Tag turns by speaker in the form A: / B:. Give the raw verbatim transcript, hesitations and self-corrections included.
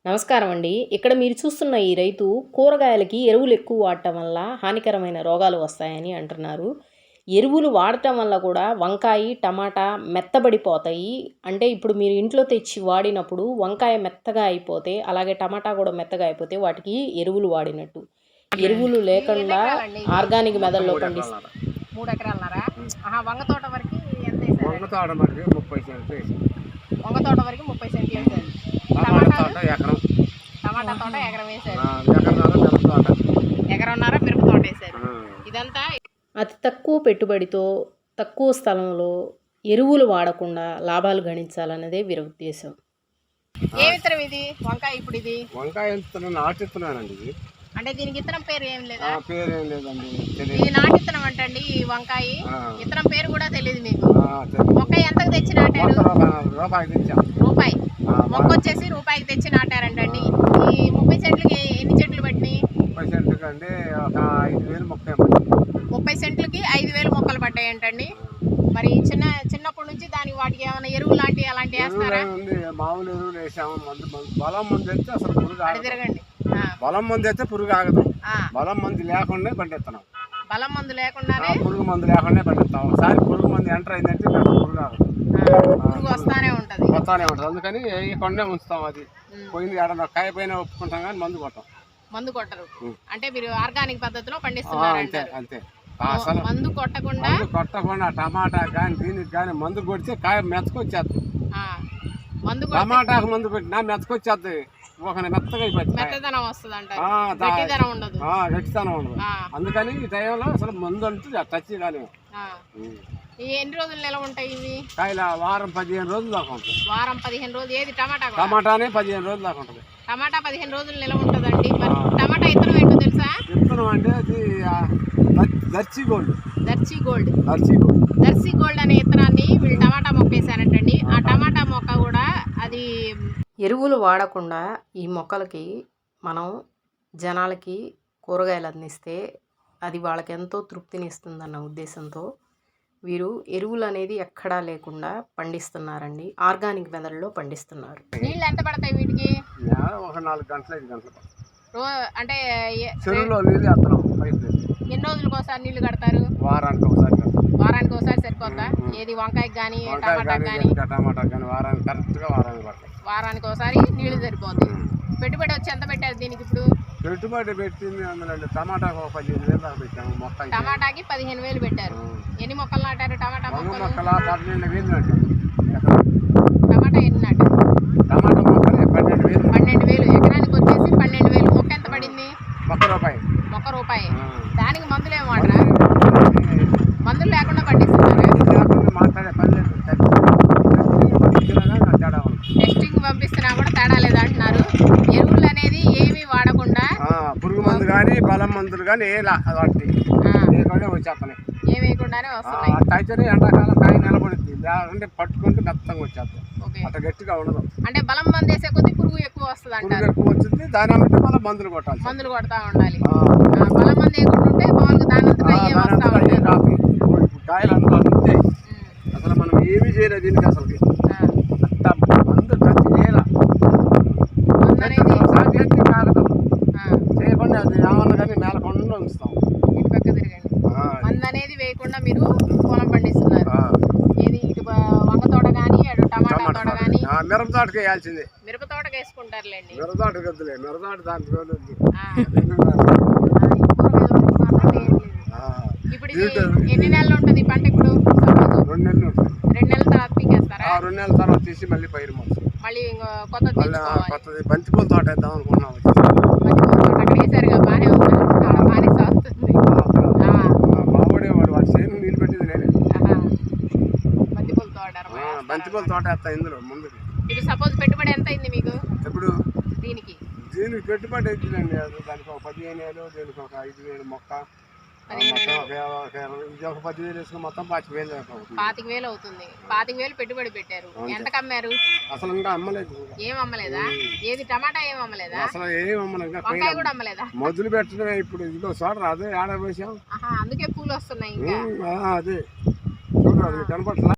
A: నమస్కారం అండి. ఇక్కడ మీరు చూస్తున్న ఈ రైతు కూరగాయలకి ఎరువులు ఎక్కువ వాడటం వల్ల హానికరమైన రోగాలు వస్తాయని అంటున్నారు. ఎరువులు వాడటం వల్ల కూడా వంకాయ, టమాటా మెత్తబడిపోతాయి. అంటే ఇప్పుడు మీరు ఇంట్లో తెచ్చి వాడినప్పుడు వంకాయ మెత్తగా అయిపోతే, అలాగే టమాటా కూడా మెత్తగా అయిపోతే వాటికి ఎరువులు వాడినట్టు. ఎరువులు లేకుండా ఆర్గానిక్ మెథడ్‌లో పండిస్
B: మూడు ఎకరాలన్నారా? ఆహా! వంగ తోట వరకు ఎంత వేసారు?
C: వంగ తోట వరకు ముప్పై సెంట్లు వేసారు.
B: వంగ తోట వరకు ముప్పై సెంట్లు వేసారు.
C: టమాటా తోట ఎకరం.
B: టమాటా తోట ఎకరం వేసారు.
C: ఎకరన్నర మిరప తోట.
B: ఎకరన్నర మిరప తోట వేసారు. ఇదంతా
A: అతి తక్కువ పెట్టుబడితో తక్కువ స్థలంలో ఎరువులు వాడకుండా లాభాలు గణించాలన్నదే వీరి ఉద్దేశం.
B: ఏ విత్తనం ఇది? వంకాయ ఇప్పుడు ఇది
C: వంకాయ విత్తనం నాటు విత్తనానండి ఇది.
B: అంటే దీనికి విత్తనం పేరు ఏం లేదా?
C: పేరు ఏం లేదండి.
B: ఇది నాటు విత్తనం అంటండి. ఈ వంకాయ విత్తనం పేరు కూడా తెలియదు మీకు. మొక్క ఎంతకు తెచ్చి నాటారు?
C: రూపాయి తెచ్చాం.
B: రూపాయి మొక్క వచ్చేసి రూపాయికి తెచ్చి నాటారంటండి. ఈ ముప్పై సెంట్లకి ఎన్ని చెట్లు పట్టినాయి?
C: ముప్పై సెంట్లకి అంటే ఒక ఐదు వేలు మొక్క.
B: ముప్పై సెంట్లకి ఐదు వేలు మొక్కలు పట్టాయంటండి. మరి చిన్న చిన్నప్పటి నుంచి దానికి వాటికి ఏమైనా ఎరువు లాంటివి అలాంటివి వేస్తారా?
C: మామూలు ఎరువులు వేసాము. మందు బలం మందు వేస్తే అసలు పురుగు ఆగదు.
B: తిరగండి.
C: బలం మందు వేస్తే పురుగు ఆగదు. బలం మందు లేకుండా పండిస్తున్నాం.
B: బలం మందు లేకుండానే
C: పురుగు మందు లేకుండా పండిస్తాం. ఒకసారి పురుగు మందు ఎంటర్ అయిందంటే పురుగు ఆగదు.
B: పురుగు వస్తానే ఉంటది
C: వస్తానే ఉంటది అందుకని కొండే ఉంచుతాం. అది పోయింది ఏడన్నా కాయ పైన ఒప్పుకుంటాం కానీ మందు కొట్టాం.
B: మందు కొట్టరు. అంటే మీరు ఆర్గానిక్ పద్ధతిలో పండిస్తున్నారు.
C: అంతే అంతే.
B: అసలు మందు కొట్టకుండా
C: కొట్టకుండా టమాటా కానీ దీనికి కానీ మందు కొడితే కాయ మెత్తకొచ్చేస్తుంది.
B: మందు
C: టమాటాకు మందు కొట్టినా మెత్తకొచ్చేస్తుంది. ఒక మెత్తగా అయిపోతుంది.
B: మెత్తదనం వస్తుంది అంటారు. గట్టిదనం ఉండదు.
C: గట్టిదనం ఉండదు. అందుకని ఈ టైంలో అసలు మందు అంటూ టచ్ కానీ
B: ఎన్ని రోజులు నిలవ ఉంటాయి ఇవి?
C: కాయల వారం పదిహేను రోజులు దాకా ఉంటుంది.
B: వారం పదిహేను రోజులు. ఏది టమాటా?
C: టమాటానే పదిహేను రోజులు దాకా ఉంటుంది.
B: టమాటా పదిహేను రోజులు నిలవ ఉంటుందండి. మరి టమాటా విత్తనం ఏంటో తెలుసా?
C: విత్తనం అంటే అది Darshi gold.
B: Darshi gold.
C: Darshi gold.
B: Darshi gold అనే విత్తనాన్ని వీళ్ళు టమాటా మొక్క వేసారంటండి. ఆ టమాటా మొక్క కూడా అది
A: ఎరువులు వాడకుండా ఈ మొక్కలకి మనం జనాలకి కూరగాయలు అందిస్తే అది వాళ్ళకి ఎంతో తృప్తినిస్తుందన్న ఉద్దేశంతో వీరు ఎరువులు అనేది ఎక్కడా లేకుండా పండిస్తున్నారండి. ఆర్గానిక్ మెథడ్లో పండిస్తున్నారు.
B: నీళ్ళు ఎంత పడతాయి వీటికి?
C: ఒక నాలుగు గంటలు ఐదు గంటలు
B: అంటే
C: చెరువులో నీళ్ళు వేస్తున్నాం.
B: ఎన్ని రోజులకు ఒకసారి నీళ్లు కడతారు?
C: వారానికి ఒకసారి.
B: వారానికి ఒకసారి సరిపోద్దా? ఏది వంకాయకి కానీ టమాటాకి కానీ?
C: టమాటా కానీ వారానికి కరెక్ట్గా వారానికి పడతాయి.
B: వారానికి ఒకసారి నీళ్లు సరిపోద్ది. పెట్టుబడి వచ్చి ఎంత పెట్టారు దీనికి ఇప్పుడు?
C: పెట్టుబడి పెట్టింది అందులో టమాటాకు ఒక పదిహేను వేలు దాకా పెట్టాము. మొక్క
B: టమాటాకి పదిహేను వేలు పెట్టారు. ఎన్ని మొక్కలు నాటారు? టమాటా మొక్కలు
C: పన్నెండు వేలు నాటారు.
B: టమాటా ఎన్ని నాటారు?
C: టమాటా మొక్కలు పన్నెండు వేలు.
B: పన్నెండు వేలు ఎకరానికి వచ్చేసి పన్నెండు వేలు. మొక్క ఎంత పడింది?
C: మొక్క రూపాయి.
B: మొక్క రూపాయి. దానికి మందులు ఏమి వాడరా? మందులు లేకుండా పండిస్తున్నారు.
C: మాట్లాడే పని లేదు.
B: టెస్టింగ్ పంపిస్తున్నా కూడా తేడా లేదు అంటున్నారు. ఎరువులు అనేది ఏమి వాడకుండా
C: పురుగు మందు కానీ బలం మందులు కానీ ఏ వాటి వచ్చేస్తాయి.
B: ఏ వేయకుండానే వస్తున్నాయి.
C: అయితే ఎండాకాలం కాయ నిలబడుతుంది. లేదంటే పట్టుకుంటే మెత్తంగా వచ్చేస్తాయి. అట్లా గట్టిగా ఉండదు.
B: అంటే బలం మందు వేసే కొద్ది పురుగు ఎక్కువ వస్తుంది అంటారు.
C: ఎక్కువ వచ్చింది దాని బట్టి మళ్ళీ మందులు కొట్టాలి.
B: మందులు కొడతా ఉండాలి. బలం మందు వేయకుండా ఉంటే మామూలుగా దాని వస్తా ఉంటాయి.
C: కాయలు అంతా అంతే. అసలు మనం ఏమీ చేయలేదు దీనికి. అసలు మందు టచ్ చేయాల కాగదాం చేయకుండా అది ఏమన్నా కానీ మేలకుండా ఉంచుతాం.
B: ఇటు పక్క తిరగండి. మందు అనేది వేయకుండా మీరు పొలం పండిస్తున్నారు. ఏది ఇటు వంగ తోట కానీ అటు టమాటా తోట కానీ
C: మిరప తోటకి వేయాల్సిందే.
B: మిరప తోటకి వేసుకుంటారులేండి.
C: మిరప తోటకి వద్దులే. మిరప తోట దాని
B: ఇప్పుడు ఎన్ని నెలలు ఉంటుంది పంట? ఇప్పుడు
C: రెండు నెలలు ఉంటుంది.
B: రెండు నెలల తర్వాత పీకేస్తారా?
C: రెండు నెలల తర్వాత తీసి మళ్ళీ పైరు మొత్తం
B: మళ్ళీ కొత్తది
C: కొత్తది బంతిపూల తోట వేద్దాం అనుకున్నాం.
B: బంతిపూల తోట అక్కడ వేసారుగా బాగానే ఉంది. బాగానే సాగుతుంది.
C: మావాడే వాడు వాడు చేను నీళ్ళు పెట్టింది నేనే.
B: బంతిపూల తోట
C: బంతిపూల తోట వేస్తా ఇందులో ముందు.
B: ఇది సపోజ్ పెట్టుబడి ఎంత అయింది మీకు?
C: ఎప్పుడు
B: దీనికి
C: దీనికి పెట్టుబడి అవుతుందండి. అది దానికి ఒక పదిహేను వేలు, దీనికి ఒక ఐదు వేలు మొక్క ఒక పదివేలు వేసుకుని మొత్తం పాతిక వేలు
B: పాతిక వేలు అవుతుంది. పాతిక వేలు పెట్టుబడి పెట్టారు. ఎంతకు అమ్మారు?
C: అసలు ఇంకా అమ్మలేదు.
B: ఏం అమ్మలేదా? ఏది టమాటా ఏం అమ్మలేదా?
C: అసలు ఏం అమ్మలేదు.
B: వంకాయ కూడా అమ్మలేదా?
C: మొదలు పెట్టడమే. ఇప్పుడు ఇదిగో చూడరా అదే ఆడ వేసాం.
B: అందుకే పూలు వస్తున్నాయి ఇంకా.
C: అదే చూడరా కనపట్లా.